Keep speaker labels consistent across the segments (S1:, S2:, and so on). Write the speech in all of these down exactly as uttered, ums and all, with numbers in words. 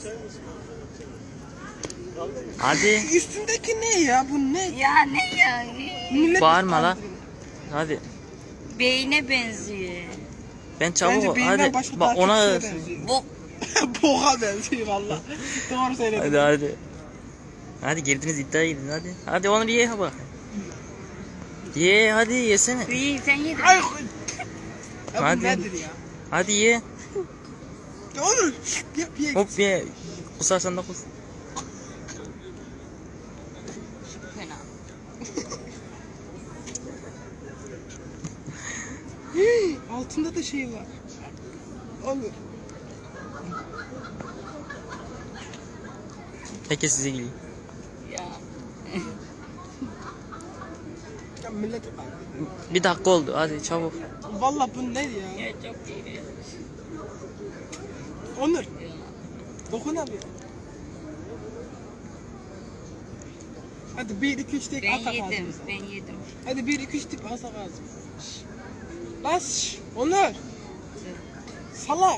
S1: Hadi.
S2: Üstündeki ne ya? Bu ne?
S3: Ya ne ya?
S2: Millet
S1: Bağırma lan.
S2: kandırıyor.
S1: Hadi.
S3: Beyne benziyor.
S1: Ben çabuk
S2: Bence
S1: ol.
S2: beyinden
S1: Hadi.
S2: başka
S1: Bak ona.
S2: takipçilere benziyor.
S3: Bu
S2: Boğa benziyor valla. Doğru söyledin.
S1: Hadi hadi. Hadi girdiniz iddiaya girdiniz hadi. Hadi onu ye bak. Ye hadi yesene.
S3: iyi sen yedin.
S2: Ay. Ya bu
S1: Hadi.
S2: nedir ya?
S1: Hadi ye.
S2: Ya Onur. Yap ye.
S1: Hop ye. Kusarsan da kus.
S3: Fena.
S2: Hii, altında da şey var. Onur.
S1: Herkes size geliyor.
S3: Ya.
S2: Ya millet.
S1: Bir dakika oldu hadi çabuk.
S2: Valla bu ne ya?
S3: Ya çok iyi.
S2: Onur. Dokunamıyor. Hadi bir iki üç tek
S3: Ben
S2: atak
S3: yedim.
S2: ağzımıza.
S3: Ben yedim.
S2: Hadi bir iki üç tip atak ağzımıza. Bas. şş, Onur. Salak.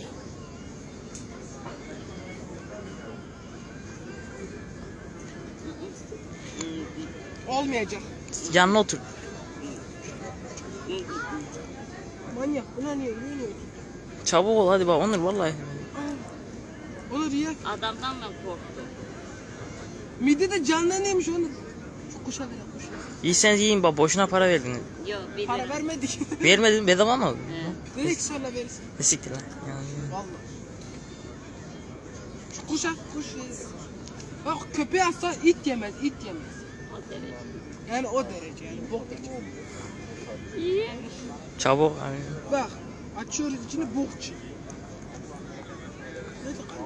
S2: Olmayacak.
S1: Yanına otur.
S2: Manyak. Buna niye? Niye niye?
S1: Çabuk ol hadi bak Onur vallahi.
S2: Aa, Onur ya.
S3: Adamdan da korktum.
S2: Mide de canlanıyormuş Onur. Şu kuşa ver kuşa.
S1: İyiyseniz yiyin bak boşuna para verdiniz.
S3: Yok bir
S2: Para vermedik.
S1: Vermedin bedava mı aldın?
S2: Direkt sonra verirsin.
S1: Ne siktir lan. Yani.
S2: Vallahi. Şu kuşa kuş verir. Bak köpeği atsa it yemez, it yemez.
S3: O derece.
S2: Yani o derece yani bok derece.
S3: İyi.
S1: Çabuk. Hani.
S2: Bak açıyoruz içine bok çıkıyor. Ne de kalıyor?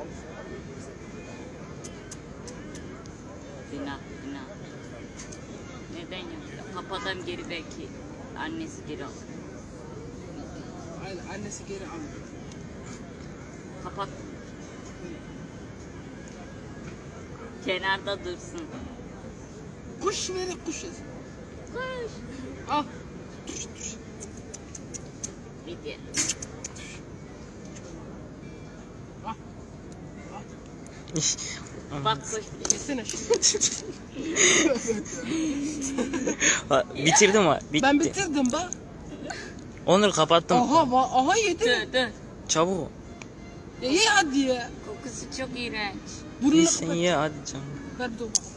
S3: Günah günah. Neden yaptı? Kapadan geri belki annesi geri alır.
S2: Aynen annesi geri alıyor.
S3: Kapat. Kenarda dursun.
S2: Kuş verir kuş yesin.
S3: Koş.
S2: Al. Tuş tuş.
S3: Bir de.
S2: Al.
S3: Bak koş.
S2: Yesene şunu.
S1: Ha, bitirdim ha. Bitti.
S2: Ben bitirdim bak.
S1: Onur kapattım.
S2: Aha va aha yedi.
S3: Dur dur.
S1: Çabuk ol.
S2: Ya ye hadi ya.
S3: Kokusu çok iğrenç.
S2: Burnunu
S1: İyisen
S2: kapat.
S1: ye hadi canım.
S2: Ver dur bak.